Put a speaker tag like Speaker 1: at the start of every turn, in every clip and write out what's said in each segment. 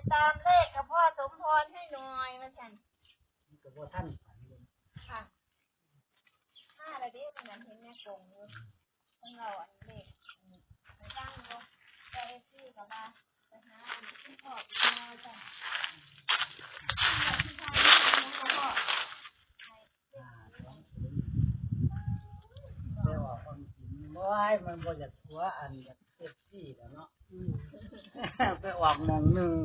Speaker 1: ตามเลขกับพ่อสมพรให้หน่อยมาสั่น
Speaker 2: กับพ่อท่าน
Speaker 1: ค่ะห้าอะไรดิขนาดเห็นแม่กงอยู่ของเราอันเลขไปตั้งก็ไปที่กับมาไปหาที่พ่อที่น้อยจ้ะที่ชายที่น้องพ่อ
Speaker 2: ไม่ว่าความจริงว่ามันบ่อยากหัวอันอยากเซ็กซี่แล้วเนาะไปออกมองหนึ่ง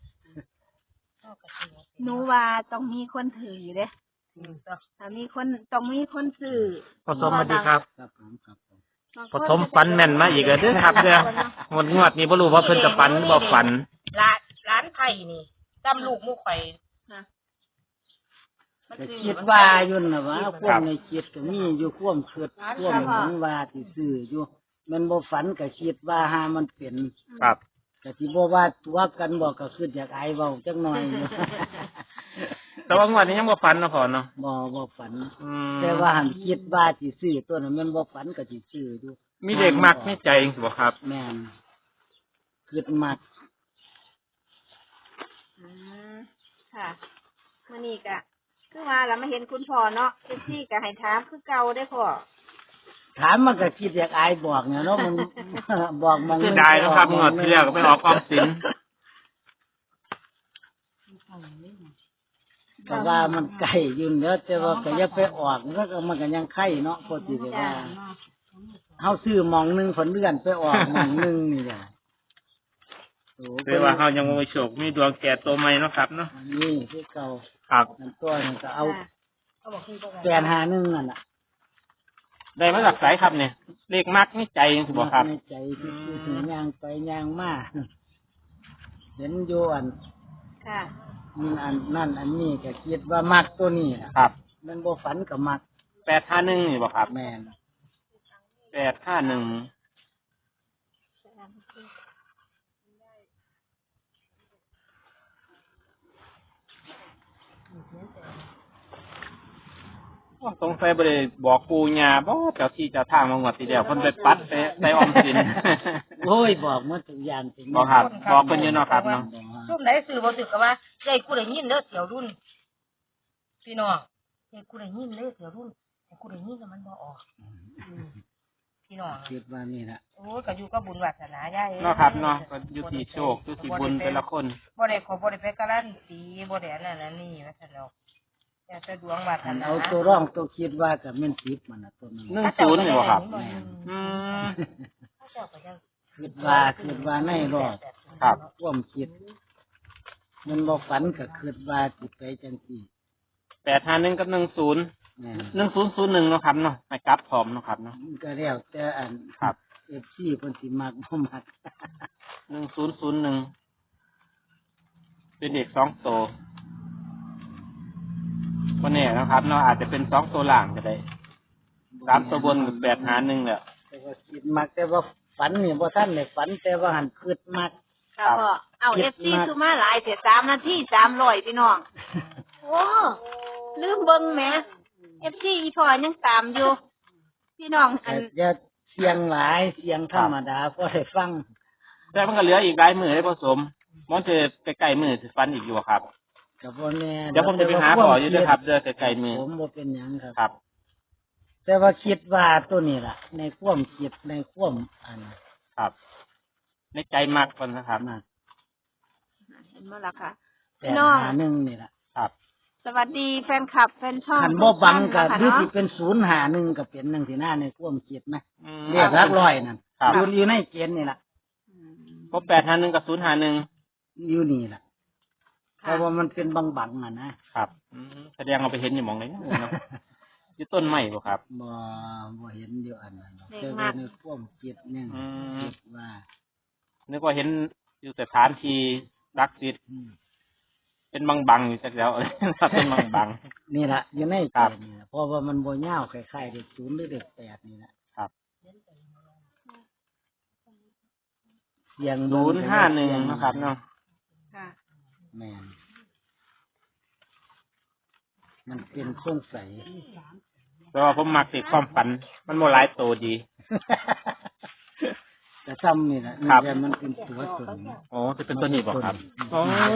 Speaker 1: หนูว่าต้องมีคนถืออยู่เด้ถ้ามีคนต้องมีคนซื้อ
Speaker 3: ผสมมาดีครับ
Speaker 2: ครับผมครับผม
Speaker 3: ผสมฟันแม่นมาอีกเด้อครับเด้องวดนี้บ่รู้ว่าเพิ่นจะฟันบ่ฟัน
Speaker 4: ร้านไผ่นี่จำลูกมุกไข่
Speaker 2: แต่คิดว่าอยู่น่ะว่าความในคิดก็มีอยู่ความคิดความหวังว่าที่ซื้ออยู่มันบ่ฝันก็คิดว่าหามันเป็น
Speaker 3: ครับ
Speaker 2: ก็สิบ่ว่าตัวกันบ่ก็คืออยากอายเว้าจักหน่อย
Speaker 3: แต่ว่างวดนี้ยังบ่ฟันเนาะพ่อเนาะ
Speaker 2: บ่ฝันแต่ว่าหันคิดว่าสิซื้อตัวนั้นมันบ่ฝันก็สิซื้ออยู่
Speaker 3: มีเด็กมักมีใจจังซี่บ่ครับ
Speaker 2: แม่นคิดมัก
Speaker 1: ค่ะมื้อนี้ก็คือว่าเรามาเห็นคุณพ่อเนาะซี่ก็ให้ถามคือเก่าได้พ่อ
Speaker 2: ถามมันก็คิดอยากอายบอกเนี่ยเนาะมันบอกมอง
Speaker 3: เสียดายนะครับงวดที่แล้วก็ไปออกออมสิน
Speaker 2: ก็ว่ามันไกลอยู่เด้อแต่ว่าก็อย่าไปออกมันก็ยังไข่เนาะพอสิได้ว่าเฮาซื้อมองนึงฝนเดือนไปออกมองนึงนี่แหละ
Speaker 3: คือว่าเฮายังบ่มีโชคมีดวงแก่ตัวใหม่เนาะครับเนาะ
Speaker 2: นี่คือเก่า
Speaker 3: ครับ
Speaker 2: นั่นตัวนั้นก็เอาแปดหานึงนั่นน่ะ
Speaker 3: ได้มาจากไสครับเนี่ยเลขมักนี่ใจจังซี่บ่ครับ
Speaker 2: ในใจคือถึงย่างไปย่างมาเห็นอยู่อัน
Speaker 1: ค่ะ
Speaker 2: อันนั่นอันนี้ก็คิดว่ามักตัวนี้
Speaker 3: ครับ
Speaker 2: มันบ่ฝันก็มัก
Speaker 3: 851นี่บ่ครับ
Speaker 2: แม่น
Speaker 3: 851สงสัยบ่ได้บอกปู่ย่าบ่เจ้าที่เจ้าทางมางวดที่แล้วเพิ่นไปปัดไปออมสิน
Speaker 2: โอ้ยบอกหมดทุกอย่างจริง
Speaker 3: บ่ครับบอกเพิ่นอยู่เนาะครับเนาะ
Speaker 4: ซุ่มไหนซื้อบ่ถึกก็ว่าได้กูได้ยินเด้อเสี่ยวรุ่นพี่น้องได้กูได้ยินเด้อเสี่ยวรุ่นแต่กูได้ยินแล้วมันบ่ออกพี่น้อง
Speaker 2: คิดว่านี่ล่ะ
Speaker 4: โอ้ยก็อยู่กับบุญวาสนายาย
Speaker 3: เนาะครับเนาะก็อยู่ที่โชคอยู่ที่บุญแต่ละคน
Speaker 4: บ่ได้ไปการันตีบ่ได้นั่นนี่ว่าซั่นเนาะแต่ดวงวาสนา
Speaker 2: เอาตัวร่องตัวคิดว่าก็แม่น10มันน่ะตัวนั้น
Speaker 3: 10นี่บ่ครับ
Speaker 2: คิดว่าในรอด
Speaker 3: ครับ
Speaker 2: ความคิดมันบ่ฝันก็คิดว่าสิไปจังซี่
Speaker 3: 851กับ10 1001เนาะครับเนาะไปกลับพร้อมเนาะครับเนาะ
Speaker 2: ก็แล้วแต่อัน
Speaker 3: ครับ
Speaker 2: FC เพิ่นสิมักบ่มัก
Speaker 3: 1001เป็นเด็ก2ตัวบ่แน่นะครับเนาะอาจจะเป็น2ตัวล่างก็ได้3ตัวบนกับ851เนี่ย
Speaker 2: แต่ว่าคิดมักแต่ว่าฝันนี่บ่ทันได้ฝันแต่ว่าหันคิดมัก
Speaker 1: ค่ะพ่อเอา FC คือมาหลายเสีย3นาที300พี่น้องโอ้ลืมเบิ่งแหม FC อีพ่อยังตามอยู่พี่น้องอัน
Speaker 2: อย่าเสียงหลายเสียงธรรมดาพอได้ฟัง
Speaker 3: แต่มันก็เหลืออีกหลายมื้อให้ผสมมันจะใกล้ๆมื้อสิฟันอีกอยู่ครับ
Speaker 2: ก็บ่แน่
Speaker 3: เดี๋ยวผมจะไปหาพ่ออยู่เด้อครับเด้อใกล้ๆมื้อ
Speaker 2: ผมบ่เป็นหยัง
Speaker 3: ครับ
Speaker 2: แต่ว่าคิดว่าตัวนี้ล่ะในความคิดในความอัน
Speaker 3: ครับในใจมากคนนะครับ
Speaker 1: เห็นบ่ล่ะค่ะ
Speaker 2: พี่น้อง1นี่ล่ะ
Speaker 3: ครับ
Speaker 1: สวัสดีแฟนคลับแฟนช่อง
Speaker 2: คันบ่บังก็หรือสิเป็น051ก็เป็นจังซี่นะในความคิดนะเรียกหลักร้อยนั่นอยู่ในเกณฑ์นี่ล่ะ
Speaker 3: บ่851กับ051
Speaker 2: อยู่นี่ล่ะเพราะว่ามันเป็นบังๆนะครับ
Speaker 3: แสดงเอาไปเห็นอยู่หม่องไหนเนาะอยู่ต้นไม้บ่ครับ
Speaker 2: บ่เห็นอยู่อันนั้นแต่ว่าในความคิดนี่คิดว่า
Speaker 3: นึกว่าเห็นอยู่สถานที่ศักดิ์สิทธิ์เป็นบังๆอยู่จักแล้วเป็นบัง
Speaker 2: ๆนี่ล่ะอยู่ในเกณฑ์นี่เพราะว่ามันบ่ยาวคล้ายๆเลข0หรือเลข8นี่นะครับ
Speaker 3: อย่าง051นะครับเนาะ
Speaker 1: ค่ะ
Speaker 2: แม่นมันเป็นสงสัย
Speaker 3: แต่ว่าผมมักติดความฝันมันโมหลายโตดี
Speaker 2: แต่ซ้ำนี่แหละ
Speaker 3: ครับ
Speaker 2: แต่มันเป็นตัวตน
Speaker 3: อ๋อจะเป็นตัวนี้บ่ครับอ๋อ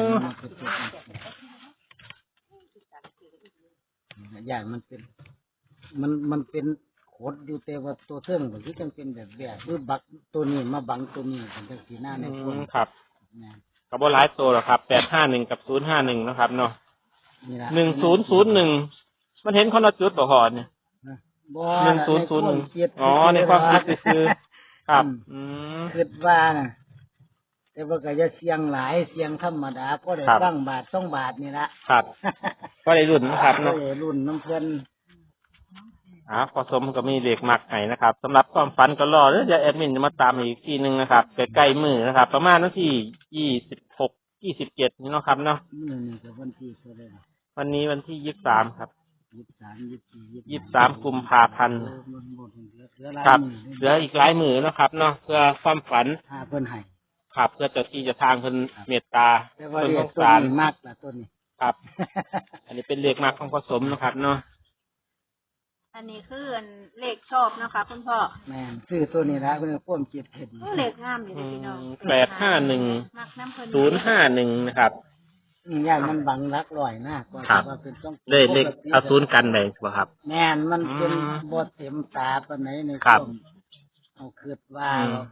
Speaker 2: อย่างมันเป็น มันเป็นโคดอยู่แต่ว่าตัวเทิงก็คือจังเป็นแบบหรือบักตัวนี้มาบังตัวนี้เป็นจังสีหน้าในคน
Speaker 3: ครับ
Speaker 2: นะ
Speaker 3: กับบ่หลายตัวหรอกครับ851กับ051นะครับเนาะ
Speaker 2: นี่ละ
Speaker 3: 1001มันเห็นคนละจุดบ่พอเนี่ย
Speaker 2: บ่
Speaker 3: 1001อ๋อในความคิดคือครับ
Speaker 2: คิดว่านะแต่ว่าก็จะเสียงหลายเสียงธรรมดาก็ได้
Speaker 3: ครับ
Speaker 2: ฟังบาท2 บาทนี่ละ
Speaker 3: ครับ ก็ได้รุ่นนะครับ
Speaker 2: ก็
Speaker 3: เนาะ
Speaker 2: ได้รุ่นน้ำเพิ่น
Speaker 3: พอสมก็มีเลขมักให้นะครับสำหรับความฝันก็รอแล้วจะแอดมินจะมาตามอีกทีหนึงนะครับใกล้ๆมือนะครับ ประมาณวันที่26 27นี่เนาะครับเนาะ
Speaker 2: นี่ก็วันที่เท่าไหร่
Speaker 3: วันนี้วันที่23ครับ
Speaker 2: 23
Speaker 3: 23กุมภาพันธ์
Speaker 2: มันหมดเหลือหลาย
Speaker 3: ครับ
Speaker 2: มื้อ
Speaker 3: เหลืออีกหลายมือนะครับเนาะเพื่อความฝัน
Speaker 2: หาเพิ่นให้
Speaker 3: ครับเพื่อเจ้าที่เจะทางเพิ่นเมตตา
Speaker 2: แต่ว่า
Speaker 3: เพิ่น
Speaker 2: เรี
Speaker 3: ส
Speaker 2: ยก
Speaker 3: ง
Speaker 2: ตัว
Speaker 3: สาร
Speaker 2: นี้มากล่ะตัวนี้
Speaker 3: ครับ อันนี้เป็นเลขมักของผสมนะครับเนาะ
Speaker 1: อันนี้คืออันเลขชอบนะคะคุณพ่อ
Speaker 2: แม่นซื้อตัวนี้ละเพิ่นพ่วงจิตเห็น
Speaker 1: เลขงามอยู่เลยพี่น้อง
Speaker 3: 851
Speaker 1: มักน้ำเพิ่น
Speaker 3: 051นะครับ
Speaker 2: อย่างมันบังรักลอยหน้าก็
Speaker 3: ครับ
Speaker 2: ว่าเป็นต้อง
Speaker 3: เลขเอาศูนย์กันเลยบ่ครับ
Speaker 2: แม่นมันเป็น
Speaker 3: อืม
Speaker 2: บ่เต็มตาปานไหนใน
Speaker 3: ครับ
Speaker 2: วามเอาคิดว่า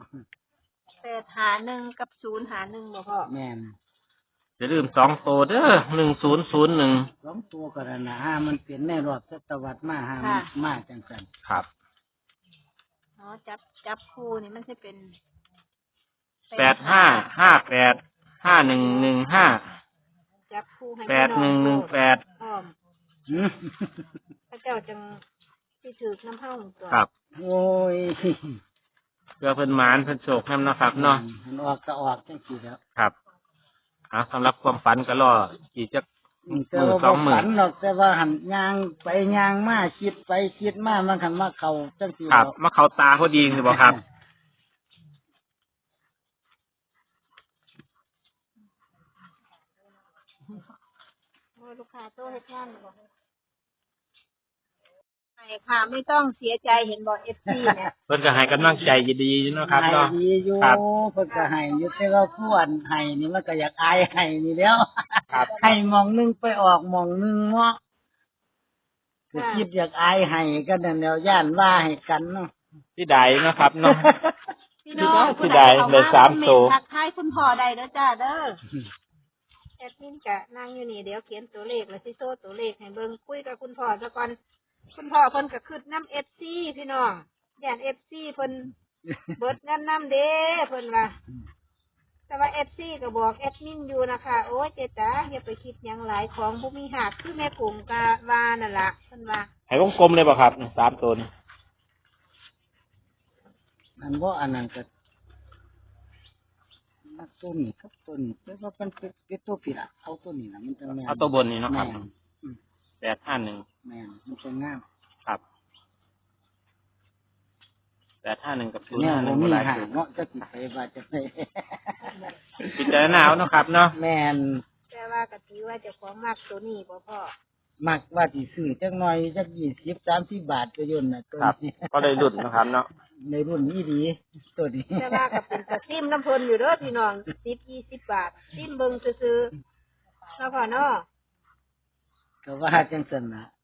Speaker 1: 851กับ051บ่พ่อ
Speaker 2: แม่น
Speaker 3: อย่าลืม2ตัวเด้อ1001
Speaker 2: สองตัวก็นั่นนะมันเป็นในรอบศตวรรษมามันมาจังซั่น
Speaker 3: ครับ
Speaker 1: อ๋อจับคู่นี่มันจะเป็น
Speaker 3: 85585115
Speaker 1: จับคู่ให้พี่น้อง
Speaker 3: 8118
Speaker 1: อ้อม
Speaker 2: หือ
Speaker 1: พระเจ้าจังสิถือน้ำเฮาตัว
Speaker 3: ครับ
Speaker 2: โอ้ย
Speaker 3: เพื่อเพิ่นหมานเพิ่นโชคนำเนาะครับเนาะ
Speaker 2: มันออกก็ออกจังซี่แล้ว
Speaker 3: ครับสำหรับความฝันก็รออีกจัก
Speaker 2: แต่ว่าบ่ฝันหรอกแต่ว่าหันยางไปยางมาคิดไปคิดมามันคันมาเข้าจังซี่
Speaker 3: ครับ
Speaker 2: แล้ว
Speaker 3: มาเข้าตาพอดีคือบ่ครับ
Speaker 1: โอ้ยลูกค้าโตเฮ็ดงานบ่ไอ้ค่ะไม่ต้องเสียใจเห็นบ่ FC เนี่ย
Speaker 3: เพิ่นก็ให้กำลังใจดีๆอยู่เนาะครับ
Speaker 2: ให้
Speaker 3: เนาะ
Speaker 2: ดีอยู่
Speaker 3: ครับ
Speaker 2: เพิ่นก็ให้อยู่แต่ว่าผู้อันให้นี่มันก็อยากอายให้นี่แล้ว
Speaker 3: ครับ
Speaker 2: ให้หมองหนึงไปออกหมองหนึงเนาะก็คิดอยากอายให้กันนั่นแล้วย่านว่าให้กันเนาะ
Speaker 3: ที่ใดเนาะครับเนาะ
Speaker 1: พี่น้อง
Speaker 3: ผู้ใดได้สามโต
Speaker 1: ทักทายคุณพ่อได้เด้อจ้าเด้อแอดมินกะนั่งอยู่นี่เดี๋ยวเขียนตัวเลขแล้วสิโซ่ตัวเลขให้เบิ่งคุยกับคุณพ่อซะก่อนคุณพ่อเพิ่นก็คิดน้ำ FC พี่น้องย่าน FC เพิ่นเบิดเงินน้ำเด้เพิ่นว่า แต่ว่า FC ก็บอกแอดมินอยู่นะคะโอ้ยเจ๊จ๋าอย่าไปคิดหยังหลายของบ่มีหักคือแม่กุ้งกะว่านั่นล่ะเพิ่นว่า
Speaker 3: ให้วงกลมเลยบ่ครับ3ตัวนี่
Speaker 2: อันบ่อันนั้นก็นักตัวนี้ครับตัวนี้แต่ว่ามันเป็นตัวผิดอ่ะเอาตัวนี้ล่ะมันจะแม่น
Speaker 3: เอาตัวบนนี่เนาะครับ
Speaker 2: แม่น
Speaker 3: 851
Speaker 2: แม่นมันจะงาม
Speaker 3: ครับ851กับ
Speaker 2: แนวบ่
Speaker 3: 051
Speaker 2: มี
Speaker 3: บ่หลาย
Speaker 2: หา
Speaker 3: ตัว
Speaker 2: เนาะจะสิไปว่าจะไป
Speaker 3: พิจารณาเอาเนาะครับเนาะ
Speaker 2: แม่น
Speaker 1: แต่ว่าก็ถือว่าเจ้าของมักตัวนี้บ่พ่อ
Speaker 2: มักว่าสิซื้อจักหน่อยจัก20-30 บาทก็ย่นน่ะตัว
Speaker 3: ครับ
Speaker 2: นี้
Speaker 3: ก็ได้รุ่นนะครับเนาะ
Speaker 2: ในรุ่นนี้ดีตัวนี้
Speaker 1: แต่ว่าก็เป็นตะซิมน้ำเพิ่นอยู่เด้อพี่น้อง10-20 บาทซิมเบิ่งซื่อๆเนาะพ่อเนาะ
Speaker 2: ก็ว่าจังซั่นน่ะ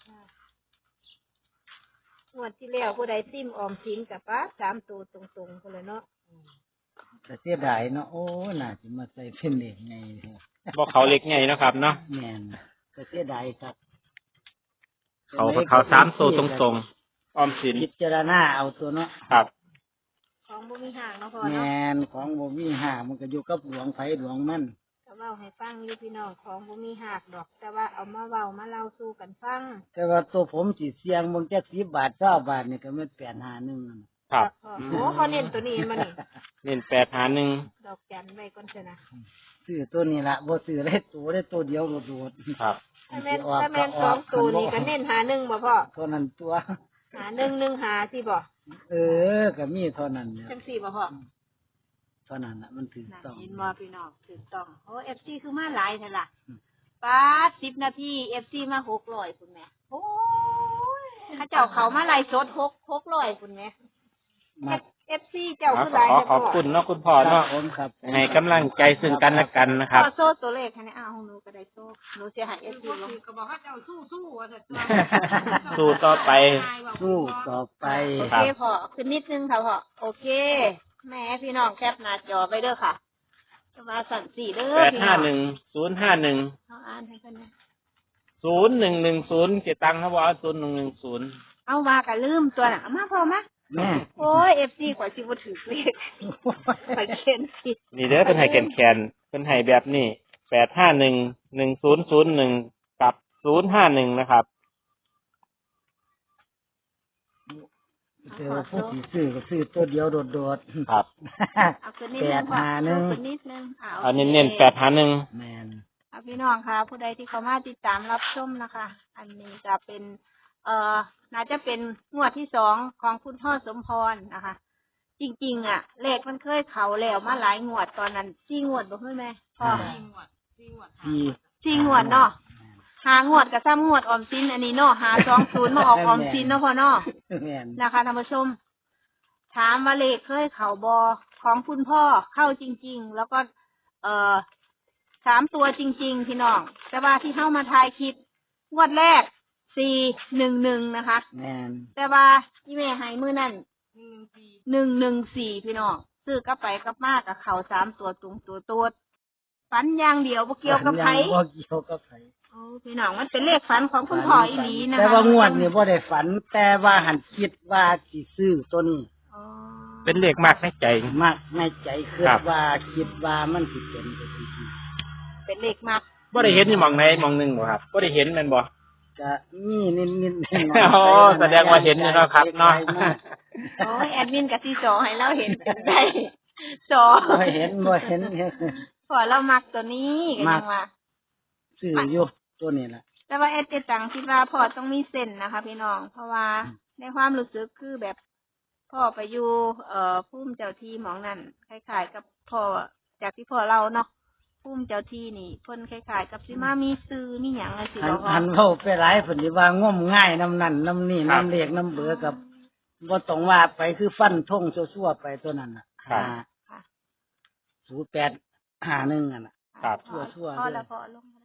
Speaker 1: งวดที่แล้วผู้ใดซิมออมสินกับป้า3ตัวตรงๆพุ่นเลยเนาะ
Speaker 2: ก็เสียดายเนาะโอ้น่าสิมาใส่เป็นเด็กไง
Speaker 3: บ่เขาเล็กใหญ่เนาะครับเนาะ
Speaker 2: แม่นก็เสียดายครับ
Speaker 3: เขา3ตัวตรงๆออมสิน
Speaker 2: พิจารณาเอาตัวเนาะ
Speaker 3: ครับ
Speaker 1: ของบ่มีห่างเนาะพ่อ
Speaker 2: แม
Speaker 1: เนาะ
Speaker 2: นของบ่มีหามันก็อยู่กับหลวงไผหลวงมัน
Speaker 1: ก็เว้าให้ฟังอยู่พี่น้องของบ่มีหักดอก แต่ว่าเอามาเว้ามาเล่าสู่กันฟัง
Speaker 2: แต่ว่าตัวผมสิเสียงเบิ่งจัก10 บาท20 บาทนี่ก็แม่น851นั่น
Speaker 3: ครับ
Speaker 1: โอ้เขาเน้นตัวนี้มานี่
Speaker 3: เน้น851
Speaker 1: ดอกจันไว้ก่อนเถอะนะ
Speaker 2: ซื้อตัวนี้ละบ่ซื้อได้ตัวเดียวโดดๆ
Speaker 3: ครับ
Speaker 1: ถ้าแม่นสองตัวนี่ก็เน้นหา1บ่พ่อ
Speaker 2: เท่านั้นตัว
Speaker 1: หา1 1หาสิบ่
Speaker 2: ก็มีเท่านั้นเนี่ย
Speaker 1: จังซี่บ่พ่อ
Speaker 2: เท่านั้นน่ะมันถูก
Speaker 1: น่ะ
Speaker 2: ต้อง
Speaker 1: เห็นบ่พี่น้องถูกต้องโอ้ FC คือมาหลายแท้ล่ะป้า10 นาที FC มา600คุณแม่โอ้ยเขาเจ้าเขามาไล่สด600คุณแม่
Speaker 2: มัก
Speaker 1: FC เจ้า
Speaker 3: ขอ
Speaker 1: ผู้หลาย
Speaker 3: ขอบคุณเนาะคุณพ่อ
Speaker 2: ครั
Speaker 3: เนาะ
Speaker 2: บผมครับ
Speaker 3: ให้กำลังใจซึ่งกันและกันนะครับ
Speaker 1: พ่อโซ่ตัวเลขให้เอาของหนูก็ได้โซ่หนูสิให้ FC ลง
Speaker 4: ก็บอกว่าเจ้าสู้ว่าจะ
Speaker 3: สู้ต่อไป
Speaker 2: สู้ต่อไป
Speaker 1: โอเคพ่อขึ้นนิดนึงค่ะพ่อโอเค แม่พี่น้องแคปหน้าจอไปเด้อค่ะจะมาสั่นสี่เด้อพี่น้อง
Speaker 3: 851
Speaker 1: เอาอ่านให้กันนะ
Speaker 3: 0110เก็บตังค์ครับว่า0110
Speaker 1: เอามากันลืมตัวน่ะเอามาพอมา
Speaker 2: แม่
Speaker 1: โอ้ย FC กว่าสิบ่ถือเลขไปเขียนผิด
Speaker 3: นี่เด้อเป็นให้แคนๆเป็นให้แบบนี้8511001กับ051นะครับ
Speaker 2: แต่ว่าผู้ที่ซื้อก็ซื้อตัวเดียวโดดๆ
Speaker 3: ครับ
Speaker 1: เอาขึ้นนิดนึงพ่อ
Speaker 2: 851
Speaker 1: ขึ้นนิดนึง
Speaker 3: เอาเน้นๆ851
Speaker 2: แม่น
Speaker 1: เอาพี่น้องค่ะ ผู้ใดที่เขามาติดตามรับชมนะคะ อันนี้จะเป็นน่าจะเป็นงวดที่2ของคุณพ่อสมพรนะคะ จริงๆเลขมันเคยเขาแล้วมาหลายงวดตอนนั้น4งวดบ่เฮ้ยแม่พ่อ
Speaker 2: ที่
Speaker 1: 4งวดเนาะ5งวดกับ3งวดออมสินอันนี้เนาะ520มาออกออมสินเนาะพ่อเนาะ
Speaker 2: แม่น
Speaker 1: นะคะท่านผู้ชม ถามว่าเลขเคยเขาบอของคุณพ่อเข้าจริง ๆ แล้วก็3 ตัวจริง ๆ พี่น้อง แต่ว่าที่เข้ามาทายคลิปงวดแรก411นะคะ
Speaker 2: แม่น
Speaker 1: แต่ว่าที่แม่ให้มือนั่น114พี่น้องซื้อกลับไปกลับมากับเขา3 ตัวตรงตัวฝันอย่างเดียวบ่เกี่ยวกับไผ
Speaker 2: บ่เกี่ยวกับไผ
Speaker 1: โอ้พี่น้องมันเป็นเลขฝันของคุณพ่ออีหลีนะคะ
Speaker 2: แต่ว่างวดนี่บ่ได้ฝัน แต่ว่าหันคิดว่าสิซื้อตัวนี้
Speaker 1: อ๋อ
Speaker 3: เป็นเลขมากในใจ
Speaker 2: มากในใจคิด
Speaker 3: ครับ
Speaker 2: ว่าคิดว่ามันสิเป็นไปจริง
Speaker 1: เป็นเลขมาก
Speaker 3: บ่ได้เห็นอยู่หม่องไหนหม่องหนึงบ่ครับบ่ได้เห็นแม่นบ่
Speaker 2: ๆก็มีนิดๆ
Speaker 3: โอ้แสดงว่าเห็นอยู่เนาะครับเนาะ
Speaker 1: โอ้ยแอดมินกับที่จอให้เราเห็นกันได้จอ
Speaker 2: บ่เห็น
Speaker 1: พอเรามักตัวนี้กันยังว่า
Speaker 2: ซื้ออยู่ตัวนี้ล่ะ
Speaker 1: แต่ว่าแอดเจตังคิดว่าพ่อต้องมีเส้นนะคะ พี่น้อง เพราะว่าในความรู้สึกคือแบบพ่อไปอยู่พุ่มเจ้าที่หมองนั่นคล้ายๆกับพ่อจากที่พ่อเราเนาะพุ่มเจ้าที่นี่เพิ่นคล้ายๆกับสิมามีซื้อมีหยังอะไรสิ
Speaker 2: หัน
Speaker 1: บอกว่า
Speaker 2: หันเว้าไปหลายเพิ่นสิว่างมง่ายน้ำนั่นน้ำนี่น้ำเลขน้ำเบือกับบ่ต้องว่าไปคือฟันทงซั่วๆไปตัวนั้นน่ะ
Speaker 3: ครับ
Speaker 1: ค่ะ
Speaker 2: 0851อ่ะน่ะ
Speaker 3: ครับ
Speaker 1: พ่อ
Speaker 2: ชั่วๆ
Speaker 1: พ่อ
Speaker 2: เลย
Speaker 1: แล้วพ่อลงมา